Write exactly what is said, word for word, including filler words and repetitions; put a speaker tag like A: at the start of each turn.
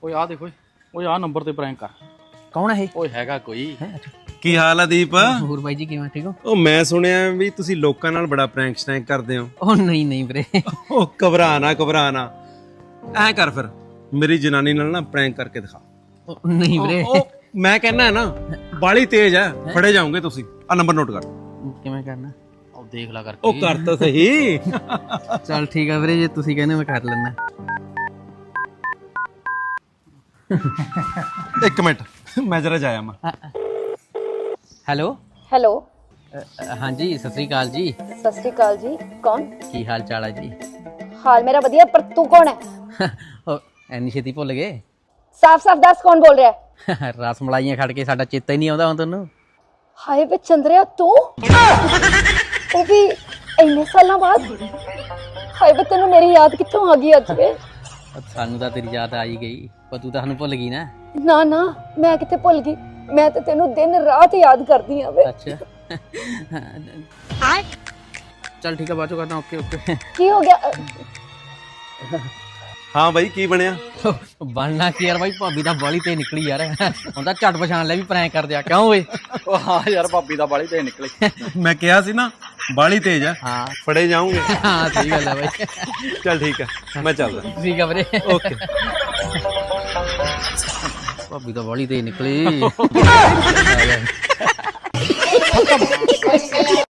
A: ਓਏ ਆ ਦੇਖੋ ਓਏ ਆ ਨੰਬਰ ਤੇ ਪ੍ਰੈਂਕ ਕਰ।
B: ਕੌਣ ਹੈ ਇਹ?
A: ਓਏ ਹੈਗਾ ਕੋਈ।
C: ਕੀ ਹਾਲ ਆ ਦੀਪ?
B: ਹੋਰ ਬਾਈ ਜੀ ਕਿਵੇਂ, ਠੀਕ ਹੋ?
C: ਉਹ ਮੈਂ ਸੁਣਿਆ ਵੀ ਤੁਸੀਂ ਲੋਕਾਂ ਨਾਲ ਬੜਾ ਪ੍ਰੈਂਕ ਸਟੈਂਕ ਕਰਦੇ ਹੋ।
B: ਉਹ ਨਹੀਂ ਨਹੀਂ ਵੀਰੇ।
C: ਉਹ ਘਬਰਾ ਨਾ ਘਬਰਾ ਨਾ, ਐ ਕਰ ਫਿਰ ਮੇਰੀ ਜਨਾਨੀ ਨਾਲ ਨਾ ਪ੍ਰੈਂਕ ਕਰਕੇ ਦਿਖਾ।
B: ਉਹ ਨਹੀਂ ਵੀਰੇ।
C: ਉਹ ਮੈਂ ਕਹਿੰਦਾ ਨਾ ਬਾਲੀ ਤੇਜ਼ ਆ, ਫੜੇ ਜਾਓਗੇ ਤੁਸੀਂ। ਆ ਨੰਬਰ ਨੋਟ ਕਰ।
B: ਕਿਵੇਂ ਕਰਨਾ?
A: ਉਹ ਦੇਖ ਲਾ ਕਰਕੇ।
C: ਉਹ ਕਰ ਤਾਂ ਸਹੀ।
B: ਚੱਲ ਠੀਕ ਆ ਵੀਰੇ, ਜੇ ਤੁਸੀਂ ਕਹਿੰਦੇ ਮੈਂ ਕਰ ਲੈਣਾ।
C: ਇੱਕ ਮਿੰਟ ਮੈਂ ਜਰਾ ਜਾਇਆ ਮੈਂ।
B: Hello
D: hello.
B: ਹਾਂਜੀ ਸਤਿ ਸ੍ਰੀ ਅਕਾਲ ਜੀ।
D: ਸਤਿ ਸ਼੍ਰੀ ਅਕਾਲ ਜੀ। ਕੌਣ?
B: ਕੀ ਹਾਲ ਚਾਲ ਹੈ ਜੀ?
D: ਹਾਲ ਮੇਰਾ ਵਧੀਆ, ਪਰ ਤੂੰ ਕੌਣ ਹੈ?
B: ਉਹ ਐਨੀ ਛੇਤੀ ਭੁੱਲ ਗਏ?
D: ਸਾਫ਼ ਸਾਫ਼ ਦੱਸ ਕੌਣ ਬੋਲ ਰਿਹਾ ਹੈ?
B: ਰਸ ਮਲਾਈਆਂ ਖੜ ਕੇ ਸਾਡਾ ਚੇਤਾ ਹੀ ਨਹੀਂ ਆਉਂਦਾ ਹੁਣ ਤੁਹਾਨੂੰ।
D: ਹਾਏ ਵੇ ਚੰਦਰਿਆ, ਤੂੰ ਉਹ ਵੀ ਇੰਨੇ ਸਾਲਾਂ ਬਾਅਦ। ਹਾਏ ਵੇ ਤੈਨੂੰ ਮੇਰੀ ਯਾਦ ਕਿੱਥੋਂ ਆ ਗਈ ਅੱਜ ਵੇ?
B: ਸਾਨੂੰ ਤਾਂ ਤੇਰੀ ਯਾਦ ਆ ਹੀ ਗਈ, ਪਰ ਤੂੰ ਤਾਂ ਸਾਨੂੰ ਭੁੱਲ ਗਈ ਨਾ।
D: ਨਾ ਨਾ, ਮੈਂ ਕਿੱਥੇ ਭੁੱਲ ਗਈ, ਮੈਂ ਤਾਂ ਤੈਨੂੰ ਦਿਨ ਰਾਤ ਯਾਦ ਕਰਦੀ ਆ ਵੇ।
B: ਅੱਛਾ ਚੱਲ ਠੀਕ ਆ, ਬਾਅਦ ਚੋਂ ਕਰਦਾ। Okay okay.
D: ਕੀ ਹੋ ਗਿਆ?
C: ਹਾਂ ਬਾਈ ਕੀ ਬਣਿਆ?
B: ਬਣਨਾ ਕੀ ਯਾਰ ਬਾਈ, ਭਾਬੀ ਦਾ ਬਾਲੀ ਤੇ ਨਿਕਲੀ ਯਾਰ। ਹੁਣ ਤਾਂ ਝਟ ਪਛਾਣ ਲੈ ਵੀ ਪ੍ਰੈਂਕ ਕਰਦੇ ਆ। ਕਿਉਂ ਓਏ?
A: ਉਹ ਹਾਂ ਯਾਰ ਭਾਬੀ ਦਾ ਬਾਲੀ ਤੇ ਨਿਕਲੇ।
C: ਮੈਂ ਕਿਹਾ ਸੀ ਨਾ ਬਾਲੀ ਤੇਜ਼ ਆ,
B: ਹਾਂ
C: ਫੜੇ ਜਾਓਗੇ।
B: ਹਾਂ ਸਹੀ ਗੱਲ ਹੈ ਬਾਈ।
C: ਚੱਲ ਠੀਕ ਹੈ ਮੈਂ ਚੱਲਦਾ।
B: ਠੀਕ ਆ ਵੀਰੇ।
C: ਓਕੇ।
B: ਭਾਬੀ ਤਾਂ ਬਾਲੀ ਤੇ ਨਿਕਲੀ।